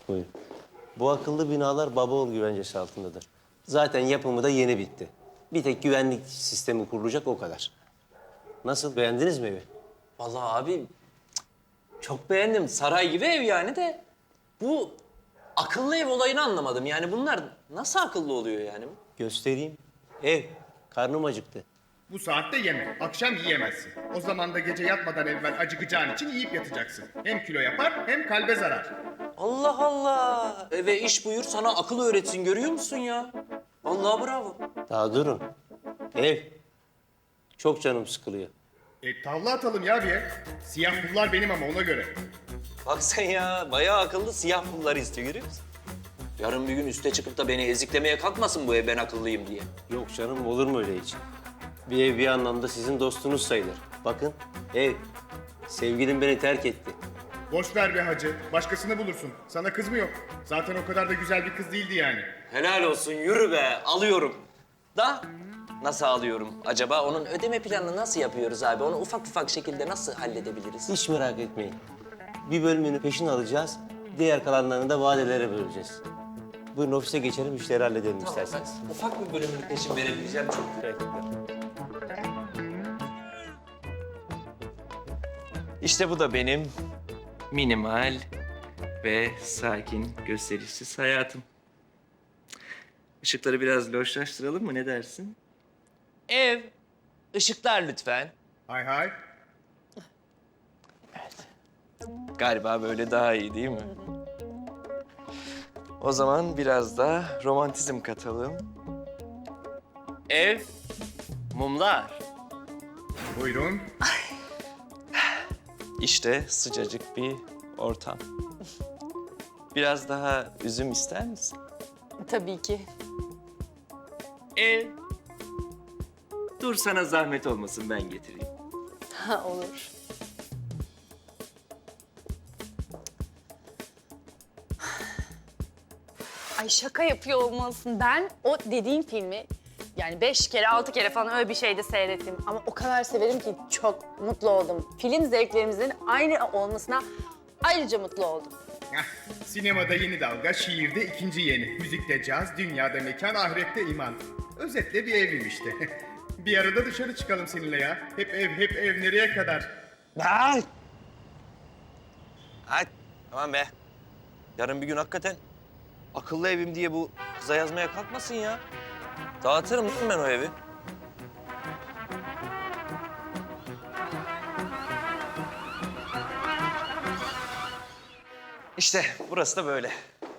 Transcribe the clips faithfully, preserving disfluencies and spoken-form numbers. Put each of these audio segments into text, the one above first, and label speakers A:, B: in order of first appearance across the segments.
A: Buyurun. Bu akıllı binalar Babaoğlu güvencesi altındadır. Zaten yapımı da yeni bitti. Bir tek güvenlik sistemi kurulacak o kadar. Nasıl, beğendiniz mi evi?
B: Vallahi abi cık, çok beğendim. Saray gibi ev yani de bu akıllı ev olayını anlamadım. Yani bunlar nasıl akıllı oluyor yani?
A: Göstereyim. Ev. Karnım acıktı.
C: Bu saatte yeme. Akşam yiyemezsin. O zaman da gece yatmadan evvel acıkacağın için yiyip yatacaksın. Hem kilo yapar hem kalbe zarar.
B: Allah Allah. Eve iş buyur sana akıl öğretsin görüyor musun ya? Vallahi bravo.
A: Daha durun. Ev. Çok canım sıkılıyor.
C: E tavla atalım ya bir ev. Siyah pullar benim ama ona göre.
B: Bak sen ya bayağı akıllı siyah pulları istiyor görüyor musun? Yarın bir gün üste çıkıp da beni eziklemeye kalkmasın bu ev ben akıllıyım diye.
A: Yok canım, olur mu öyle hiç? Bir ev bir anlamda sizin dostunuz sayılır. Bakın, ev. Sevgilim beni terk etti.
C: Boş ver be hacı. Başkasını bulursun. Sana kız mı yok? Zaten o kadar da güzel bir kız değildi yani.
B: Helal olsun yürü be alıyorum. Da nasıl alıyorum acaba? Onun ödeme planını nasıl yapıyoruz abi? Onu ufak ufak şekilde nasıl halledebiliriz?
A: Hiç merak etmeyin. Bir bölümünü peşin alacağız. Diğer kalanlarını da vadelere böleceğiz. Buyurun ofise geçelim, işleri halledelim
B: Tamam,
A: isterseniz.
B: ben ufak bir bölümünü peşin verebileceğim çok.
A: Teşekkürler.
B: İşte bu da benim minimal ve sakin, gösterişsiz hayatım. Işıkları biraz loşlaştıralım mı? Ne dersin? Ev, ışıklar lütfen.
C: Hay hay.
B: Galiba böyle daha iyi değil mi? O zaman biraz da romantizm katalım. Ev, mumlar.
C: Buyurun.
B: İşte sıcacık bir ortam. Biraz daha üzüm ister misin?
D: Tabii ki.
B: Ev. Dur sana zahmet olmasın ben getireyim.
D: Ha, olur. Ay şaka yapıyor olmalısın. Ben o dediğin filmi yani beş kere, altı kere falan öyle bir şeyde seyrettim. Ama o kadar severim ki çok mutlu oldum. Film zevklerimizin aynı olmasına ayrıca mutlu oldum.
C: Heh, sinemada yeni dalga, şiirde ikinci yeni. Müzikte caz, dünyada mekan, ahirette iman. Özetle bir evim işte. Bir arada dışarı çıkalım seninle ya. Hep ev, hep ev nereye kadar?
B: Ay. Ay tamam be. Yarın bir gün hakikaten akıllı evim diye bu kıza yazmaya kalkmasın ya. Dağıtırım değil mi ben o evi? İşte burası da böyle.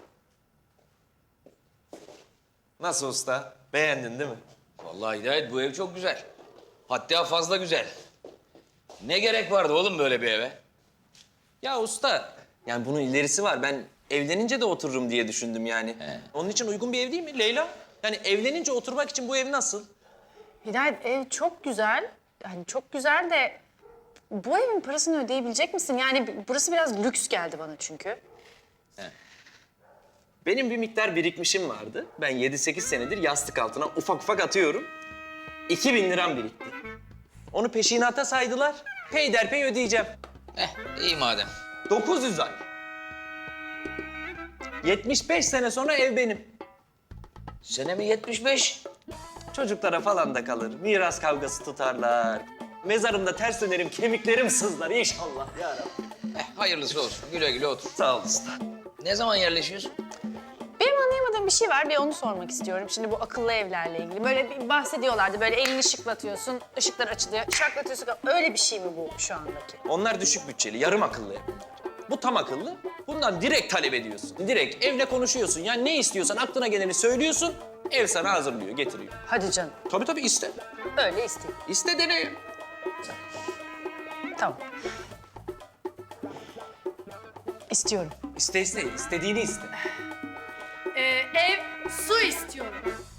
B: Nasıl usta? Beğendin değil mi?
E: Vallahi Hidayet bu ev çok güzel. Hatta fazla güzel. Ne gerek vardı oğlum böyle bir eve?
B: Ya usta, yani bunun ilerisi var. Ben evlenince de otururum diye düşündüm yani.
E: He.
B: Onun için uygun bir ev değil mi Leyla? Yani evlenince oturmak için bu ev nasıl?
D: Hidayet ev çok güzel. Yani çok güzel de bu evin parasını ödeyebilecek misin? Yani burası biraz lüks geldi bana çünkü.
B: Benim bir miktar birikmişim vardı. Ben yedi sekiz senedir yastık altına ufak ufak atıyorum. iki bin liram birikti. Onu peşinata saydılar. Peyderpey ödeyeceğim.
E: Eh iyi madem.
B: dokuz yüz ay. yetmiş beş sene sonra ev benim.
E: Sene mi yetmiş beş?
B: Çocuklara falan da kalır. Miras kavgası tutarlar. Mezarımda ters dönerim, kemiklerim sızlar inşallah ya Rabbi.
E: Eh hayırlısı olsun. Güle güle otur.
B: Sağ ol usta.
E: Ne zaman yerleşiyorsun?
D: Benim anlayamadığım bir şey var. Bir onu sormak istiyorum. Şimdi bu akıllı evlerle ilgili. Böyle bir bahsediyorlardı. Böyle elini şıklatıyorsun, ışıklar açılıyor. Şaklatıyorsun. Öyle bir şey mi bu şu andaki?
B: Onlar düşük bütçeli, yarım akıllı ev. Bu tam akıllı. Bundan direkt talep ediyorsun. Direkt evle konuşuyorsun. Yani ne istiyorsan aklına geleni söylüyorsun. Ev sana hazırlıyor, getiriyor.
D: Hadi canım.
B: Tabii tabii iste.
D: Öyle isteyeyim.
B: İste dene.
D: Tamam. İstiyorum.
B: İste iste, istediğini iste.
F: Ee, ev, su istiyorum.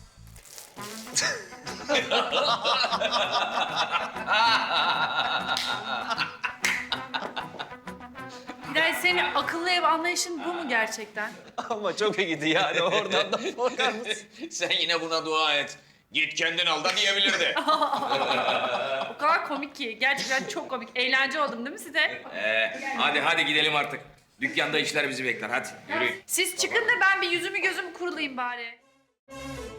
F: Hidayet senin akıllı ev anlayışın bu mu gerçekten?
B: Ama çok iyiydi yani oradan da korkar mısın?
E: Sen yine buna dua et. Git kendin al da diyebilirdi.
F: O kadar komik ki. Gerçekten çok komik. Eğlence oldum değil mi size?
E: Ee, hadi hadi gidelim artık. Dükkanda işler bizi bekler. Hadi yürüyün.
F: Siz çıkın da ben bir yüzümü gözümü kurulayım bari.